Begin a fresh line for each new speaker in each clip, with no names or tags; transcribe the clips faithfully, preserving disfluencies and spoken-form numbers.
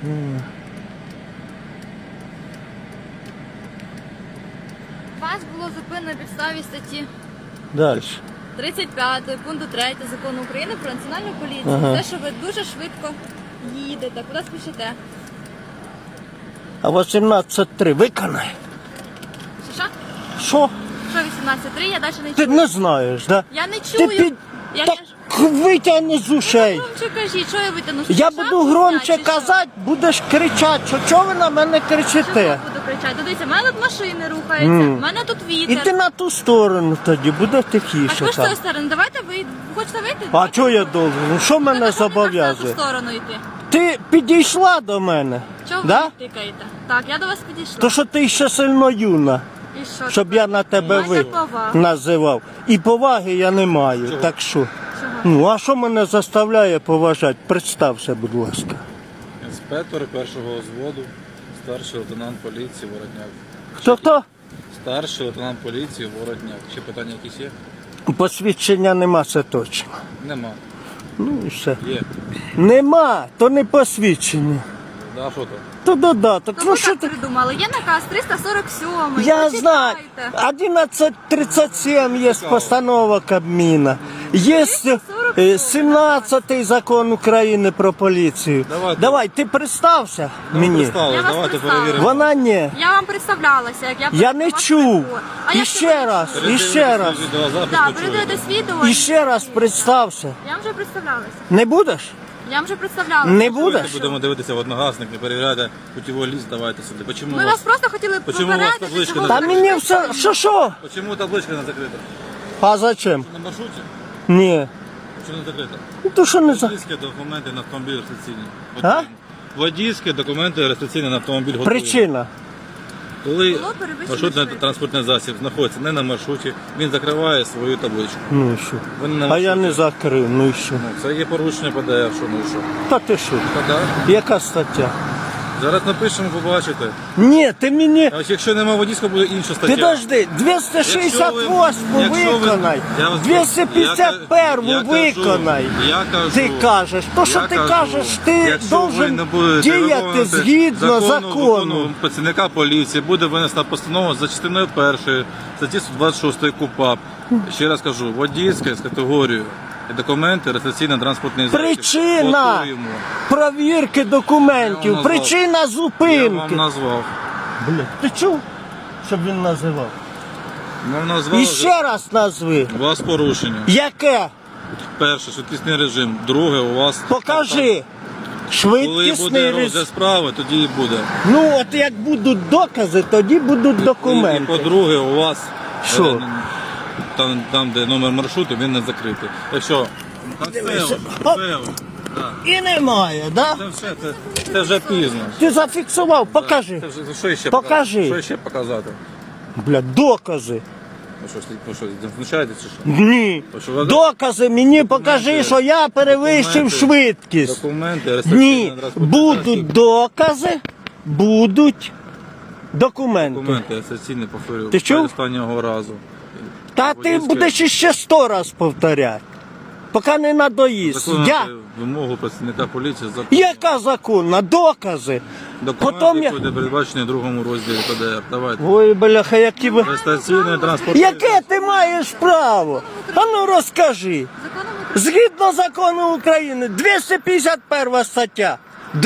Mm.
Вас було зупинено на підставі статті
Далі.
тридцять п'ятої пункту третього закону України про національну поліцію.
Ага.
Те, що ви дуже швидко їдете, куди спішите.
А вісімнадцять три виконай.
Що, що?
Що?
Що вісімнадцять три, я далі не
Ти
чую.
не знаєш, да?
Я не
Ти
чую.
під...
Я
Так
не...
витягни з ушей.
Громче кажіть, що я витягну?
Я
Що,
буду
шапку
громче
зняти, чи що?
казати, будеш кричати, що чого ви на мене
Чого
кричите?
буду кричати? Дивіться, в мене тут машини рухаються, в мене тут вітер.
Іди на ту сторону тоді, буде
А
тихіше
ви ж з
там.
цієї сторони, давайте ви ви хочете вийти?
А чого я должен? Ну що мене
На ту
зобов'язує?
сторону йти.
Ти підійшла до мене,
Чого ви
да?
не тикаєте? Так, я до вас підійшла.
То що ти ще сильно юна,
І що?
щоб я на тебе
Майте
ви
повагу.
називав. І поваги я не маю, так що.
Чого?
Ну, а що мене заставляє поважати? Представся, будь ласка.
Інспектор першого взводу, старший лейтенант поліції Воротняк.
Хто хто?
Старший лейтенант поліції Воротняк. Ще питання якісь є?
Посвідчення нема, це точно.
Нема.
Ну і все.
Є.
Нема, то не посвідчення.
Да, що то?
То додаток.
То
Ну
ви
що
так
ти?
придумали. Є наказ триста сорок сьомий.
Я
почитайте.
знаю. одинадцять тридцять сім є постанова Кабміна. Є е, сімнадцятий закон України про поліцію.
Давайте.
Давай, ти представся мені.
Представили,
Я вас
давайте
представила.
перевіримо.
Вона ні.
Я вам представлялася, як я
Я не
вас
чув.
прийму. А
І
як
ще
це ви
раз,
чули?
і ще раз.
Відеозапис
Так,
почуєте.
передивитесь відео.
І ще раз представся.
Я вам вже представлялася.
Не будеш?
Я вам вже представлялася.
Не
Давайте
будеш?
будемо дивитися в одногасник, не перевіряйте путівий ліст, давайте сюди. Почему,
Ми
у
вас
вас,
просто хотіли
Почему у вас
попередити,
табличка
чого
на-
Та
ви
мені
так
все.
швидко
Що що?
почему табличка не закрита?
А зачем?
На маршруті?
Ні.
Чому не закрита?
Ну то що не за.
Водійські документи на автомобіль реєстраційні.
А?
Водійські документи реєстраційні на автомобіль готові.
Причина.
Коли
Було перевищено
маршрутний
швидкість.
транспортний засіб знаходиться не на маршруті, він закриває свою табличку.
Ну і що?
Ви не на
А я
маршруті.
не закрив, ну і що?
Ну, це є порушення П Д Ф, що ну і що.
Та ти що?
Та да.
Яка стаття?
Зараз напишемо, побачите.
Ні, ти мені.
А ось якщо немає водійського, буде інша стаття.
Підожди, двісті шістдесят восьму
Якщо ви-
виконай,
я вас-
двісті п'ятдесят першу
я кажу,
виконай.
я кажу,
Ти кажеш, то що
я
ти
кажу,
кажеш, ти
якщо ви
должен
не будете
діяти
виконувати
згідно закону.
закону працівника поліції, буде винесена постанова за частиною першої статті сто двадцять шість КУпАП. Ще раз кажу, водійське з категорією і документи, реєстраційно-транспортний засіб.
Причина
Готуємо.
провірки
Я
документів,
вам назвав.
причина
Я
зупинки.
вам назвав.
Бля, ти чув, щоб він називав?
Вам назвав.
І ще раз назви.
У вас порушення.
Яке?
Перше, швидкісний режим. Друге, у вас...
Покажи.
Коли
Швидкісний
буде
режим.
розгляд справи, тоді і буде.
Ну от як будуть докази, тоді будуть
І, і
документи.
по-друге, у вас
Що?
е, там, там, де номер маршруту, він не закритий. Так що, там все,
Дивися.
все,
Оп.
да.
І немає, да?
Це все, це, це вже пізно.
Ти зафіксував, покажи.
Це вже, що ще
Покажи.
показати? Що ще показати?
Бля, докази.
Ви що, ви що, знущаєтесь чи що?
Ні.
То що ви-
Докази мені покажи, що я перевищив
Документи.
швидкість.
Документи,
Ні,
реєстраційний транспортний
будуть
засіб.
докази, будуть документи.
Документи, реєстраційні, повторюю,
Ти чув?
останнього разу.
Та ти
Водійське-
будеш іще сто раз повторяти, поки не надоїсть.
Виконувати
Я.
вимогу працівника поліції закон.
Яка законна? Докази.
Документи,
Потім я...
які буде передбачені в другому розділі П Д Ф. Давайте.
Ой, бляха, які ви...
Реєстраційний транспорт.
Яке ти маєш право? А ну розкажи.
Законом України.
Згідно закону України, двісті п'ятдесят перша стаття.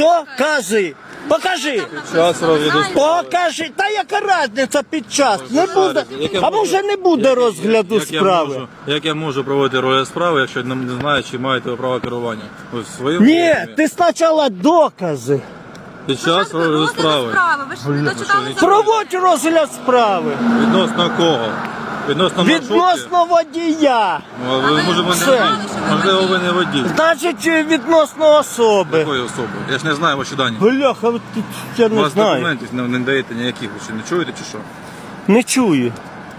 Докази. Покажи.
Час розгляду справи.
Покажи. Та яка різниця під час? Не
Як
буде.
я
А
можу-
може не буде
як-
розгляду
як я
справи?
можу- Як я можу проводити розгляд справи, якщо не не знаю, чи маєте ви право керування? Ви в своєму
Ні,
розумі?
ти спочатку докази.
Під час розгляду
Розгляду
справи.
справи. Ви ж не дочитали
що,
закон.
Проводь розгляд справи.
Відносно кого? Відносно маршрутки?
Відносно водія.
Ну, а ви,
ви
може, ви
все.
не водій? Можливо, ви не водій.
Значить, відносно особи.
Якої особи? Я ж не знаю ваші дані.
Бляха, ви тут я
У
не
вас
знаю.
документів не, не даєте ніяких, ви що, не чуєте чи що?
Не чую.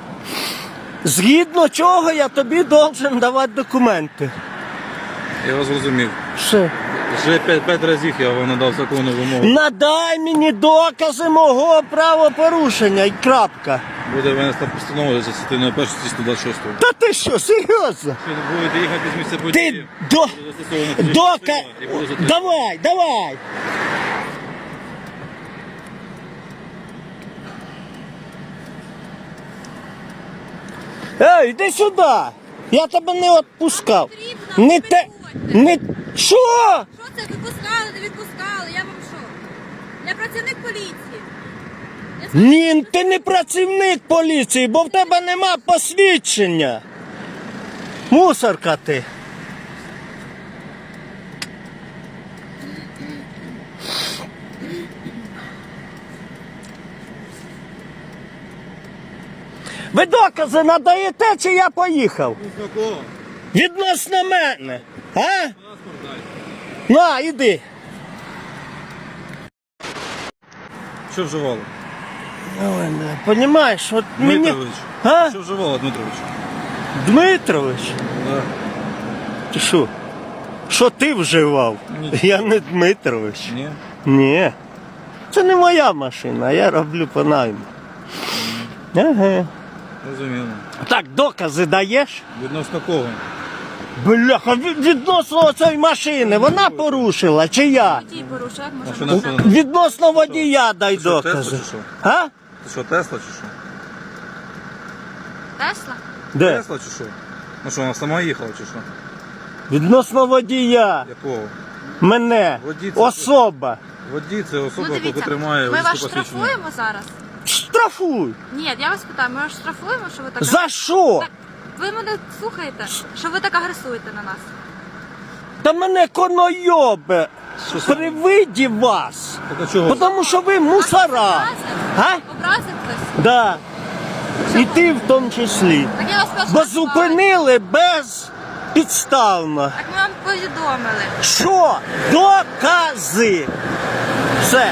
Згідно чого я тобі должен давати документи.
Я вас зрозумів.
Все.
Вже п'ять, п'ять разів я вам надав законну вимогу.
Надай мені докази мого правопорушення і крапка.
Буде винесена постанова за частиною першої статті сто двадцять шість.
Та ти що, серйозно?
Якщо не будете їхати з місця
Ти
події,
до...
буде застосовано фізична
Дока...
сила і буде затримано.
Давай, давай. Ей, йди сюди! Я тебе не відпускав. Не те. Не. Що?
Що це відпускали, не відпускали? Я вам що? Я працівник поліції. Я знаю,
Ні, ти не працівник поліції, бо в тебе нема посвідчення. Мусорка ти. Ви докази надаєте, чи я поїхав?
Кого?
Відносно мене. А?
Паспорт дай.
На, іди.
Що вживали?
Ой, не, понімаєш, от мені...
Дмитрович.
А?
Що вживали, Дмитрович?
Дмитрович?
Да.
Ти що? Що ти вживав?
Ні.
Я не Дмитрович.
Ні?
Ні. Це не моя машина, я роблю по найму. Ага.
Розуміло.
Так, докази даєш?
Відносно кого?
Бляха, від- відносно цієї машини, вона порушила чи я?
водій порушив, як
А
може
що
бути?
написано?
Відносно водія дай
Ти що,
докази.
Тесла чи що?
А?
Ти що, Тесла чи що?
Тесла?
Де?
Тесла чи що? Ну що, вона сама їхала чи що?
Відносно водія.
Якого?
Мене.
Водій це-
Особа.
Водій це особа,
Ну
яка
дивіться,
тримає
ми
водійське
вас
посвідчення.
штрафуємо зараз?
Штрафуй.
Ні, я вас питаю, ми вас штрафуємо, що ви так...
За що?
Так, ви мене слухаєте, що ви так агресуєте на нас?
Та мене конойобе
Що це?
при виді вас.
Так а чого?
Тому що ви мусора.
Образив?
А?
Образив хтось?
Да. І
Чого?
ти в тому числі.
Так я вас прошу.
Бо зупинили безпідставно.
Так ми вам повідомили.
Що? Докази. Все.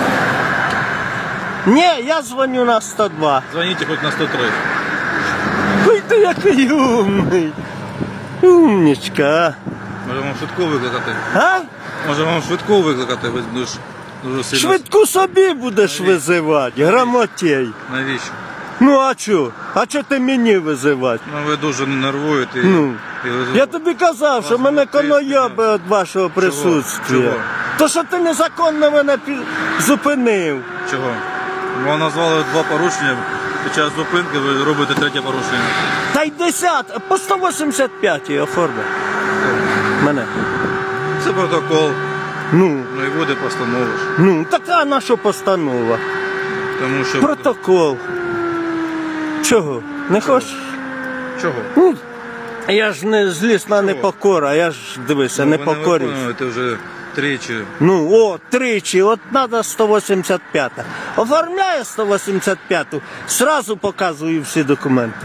Ні, я дзвоню на сто два.
Дзвоніть хоч на сто три.
Ой, ти який умний. Умнічка.
Може вам швидку викликати?
А?
Може вам швидку викликати? Ви дуже, дуже сильно.
Швидку собі будеш визивати, грамотєй.
Навіщо?
Ну а чо? А чо ти мені визивати?
Ну ви дуже нервуєте. і-
Ну,
і ви-
я тобі казав, що
Вас
мене
буде
конойоби від вашого присутствия.
Чого?
То, що ти незаконно мене пі- зупинив.
Чого? Вам назвали два порушення. Під час зупинки ви робите третє порушення.
Та й десят, по сто вісімдесят п'ять оформи. Мене.
Це протокол.
Ну,
Ну і буде постанова ж.
ну, така наша постанова.
Тому що.
Протокол. Чого? Не хочеш?
Чого?
Ну, я ж не злісна непокора, я ж дивися, не
ви не
покорюсь.
виконуєте вже тричі.
Ну, о, тричі, от треба сто вісімдесят п'ять. Оформляю сто вісімдесят п'ять, сразу показую всі документи.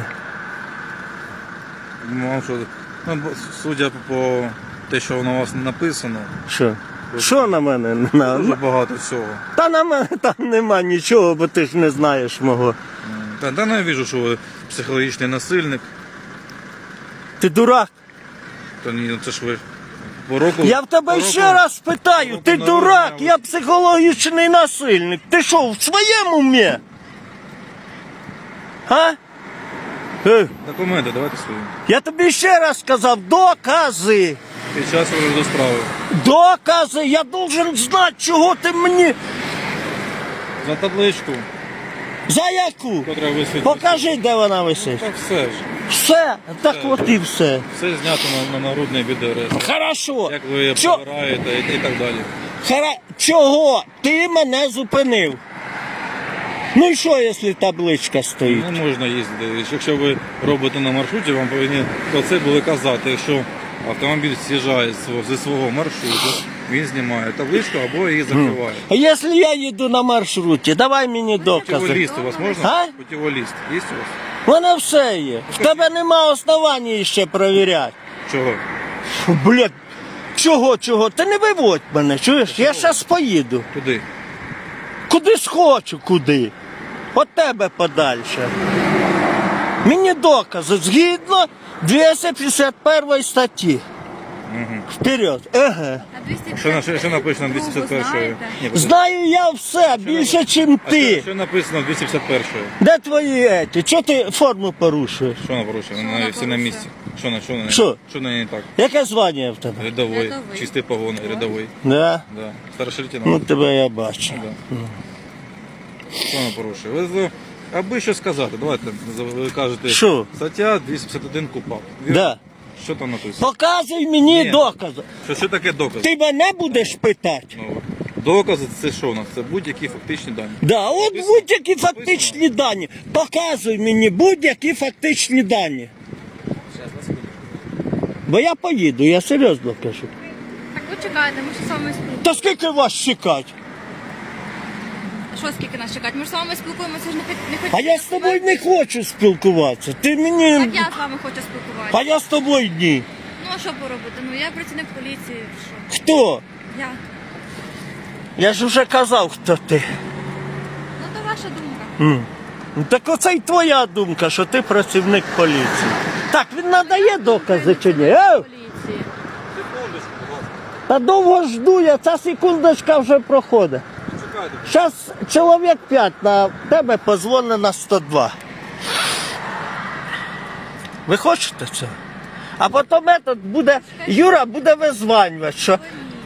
Вам що, ну, бо- судя по те, що на вас написано,
Що? Що на мене? На,
дуже багато всього.
та на мене там нема нічого, бо ти ж не знаєш мого.
Та, та не вижу, що ви психологічний насильник.
Ти дурак?
Та ні, ну це ж ви по року.
Я в тебе
по
ще
року-
раз питаю,
року
ти
народження
дурак,
ви-
я психологічний насильник. Ти що, в своєму умі? А? Е,
Документи, давайте свої.
я тобі ще раз сказав, докази.
Під час розгляду справи.
Докази, я должен знати, чого ти мені.
За табличку,
За яку?
котра висить.
Покажи, де вона висить.
Так все ж.
Все, так
Все.
от і все.
Все знято на, на нагрудний відеореєстр.
Хорошо.
Як ви
Чо...
побираєте і, і так далі.
Хара... Чого ти мене зупинив? Ну і що, якщо табличка стоїть?
Не можна їздити. Якщо ви робите на маршруті, вам повинні про це були казати. Якщо автомобіль з'їжджає з свого- зі свого маршруту, він знімає табличку або її закриває.
А якщо я їду на маршруті, давай мені докази.
Путіволіст у вас можна?
А?
Путіволіст є у вас?
У мене все є. В тебе нема основані ще перевіряти.
Чого?
Фу, блядь, чого, чого? Ти не виводь мене, чуєш? Я зараз поїду.
Куди?
Куди схочу, куди. От тебе подальше. Мені докази згідно двісті п'ятдесят першої статті.
Угу.
Вперед. Ага.
А двісті
Що, на- що, що написано в двісті п'ятдесят першої?
знаєте?
Ні, подожди.
Знаю я все, більше, ніж
А
ти.
Що, що написано в двісті п'ятдесят першої?
Де твої еті? Чого ти форму порушуєш?
Що вона порушує? Вона
вона
всі на
порушує?
місці. Що на що на
Що?
Що на не так?
Яке звання в тебе?
Рядовий.
Рядовий.
Чистий погон, рядовий.
Да?
Да. Старший
Ну
лейтенант.
тебе я бачу.
Да. Що вона порушує? Ви з- Аби що сказати, давайте, ви кажете,
Що?
стаття двісті п'ятдесят один КУПАП. Вірно?
Да.
Що там написано?
Показуй мені
Ні.
докази.
Що, що таке докази?
Ти мене будеш питати?
Ну, докази це що у нас? Це будь-які фактичні дані.
Да, от
Написано?
будь-які фактичні дані. Показуй мені будь-які фактичні дані. Бо я поїду, я серйозно кажу.
Так ви чекаєте, ми ж з вами спілкуємося.
Та скільки вас чекати?
Що скільки нас чекати? Ми ж з вами спілкуємося, ж не хоч- не
А
хочете.
я з тобою не хочу спілкуватися. Ти мені.
Так я з вами хочу спілкуватися.
А я з тобою ні.
Ну а що поробити? Ну я працівник поліції. Що?
Хто?
Я.
Я ж вже казав, хто ти.
Ну то ваша думка.
М. Ну, так оце й твоя думка, що ти працівник поліції. Так, він надає докази чи ні? Е?
Поліції.
Та довго жду я, ця секундочка вже проходить.
Чекайте.
Зараз чоловік п'ять на тебе позвонить на сто два. Ви хочете це? А потім этот буде, Юра буде визванювати, що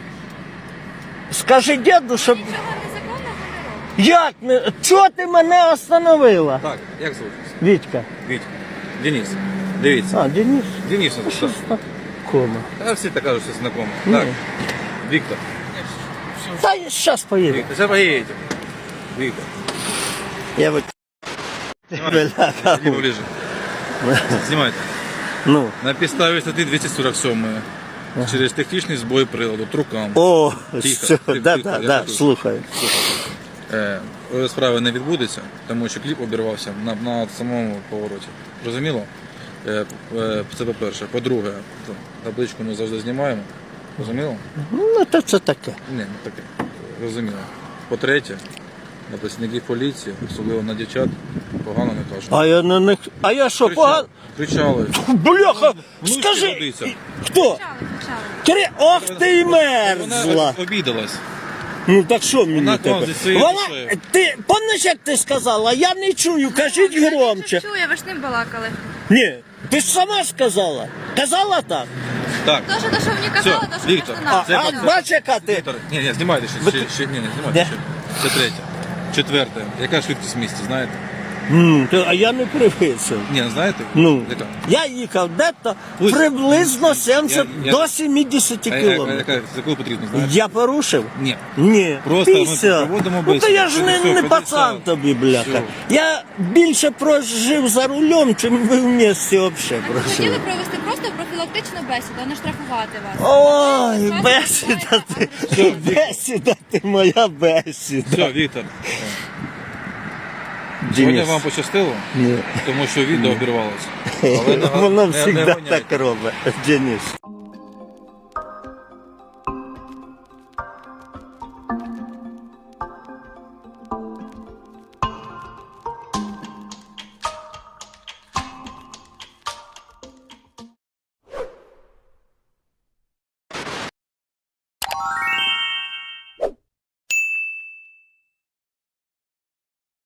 скажи діду, щоб...
Нічого незаконного не робить.
Як не... Чого ти мене остановила?
Так, як звуть?
Вітька.
Віть. Денис. Дивіться.
А, Денис.
Денис,
А що
так.
ж так? Кома.
Та всі так кажуть, що знакомі.
Ні.
Так. Віктор.
Та я зараз поїду.
Віктор, зараз поїдете. Віктор.
Я ви... Бляха.
Іди поближе. Знімайте.
Ну.
На підставі статті двісті сорок сім через технічний збой приладу, трукам.
О,
Тихо,
все,
тихо,
да,
тихо,
да,
я
да,
почув.
слухаю.
Е, справи не відбудеться, тому що кліп обірвався на, на самому повороті. Розуміло? Е, е, це по-перше. По-друге, табличку ми завжди знімаємо. Розуміло?
Ну, то це таке.
Ні, не таке. Розуміло. По-третє, на працівників поліції, особливо на дівчат, погано не кажуть.
А я на них. А я що, погано?
Кричали.
Бляха!
Внучки
Скажи!
годиться.
Хто?
Почали, почали.
Кри... Ох ти й
Вона
мерзла!
обідалась.
Ну так що мені
Вона к вам
тепер?
зі своєю
Вона,
душею.
ти пам'ятаєш, як ти сказала? Я не чую, кажіть громче.
Чую, ви ж ним балакали.
Ні, ти ж сама сказала. Казала так?
Так.
То, що, то, що мені казали, то, що
Віктор,
пішли
А,
на.
Це
а
по-
бач, яка ти?
Віктор, ні, ні, знімайте ще, ще, ще, ні, ні, знімайте
Де?
ще. Це третє. Четверте. Яка швидкість в місті, знаєте?
М, то- а я не привисив.
Ні, не знаєте?
Ну,
Яка?
я їхав десь
Ось.
приблизно сімдесят
Я- я-
до сімдесят
А яка,
кілометрів.
яка, за яку потрібно, знаєте?
Я порушив?
Ні.
Ні.
Просто ми
п'ятдесят.
проводимо
Ну то
бесіду.
я ж
Це
не,
все,
не
ходи
пацан
сам.
тобі, бляха.
Все.
Я більше прожив за рулем, чим ви в місті взагалі
Так, ви хотіли
прожили.
провести просто профілактичну бесіду, а не штрафувати вас.
Ой,
Просто
бесіда ти,
Все,
бесіда ти, моя бесіда.
Все, Віктор. Сьогодні
Денис.
вам пощастило,
Ні.
тому що відео обірвалося. Але не-
Воно
не- не
завжди
гоняйте.
так робить, Денис.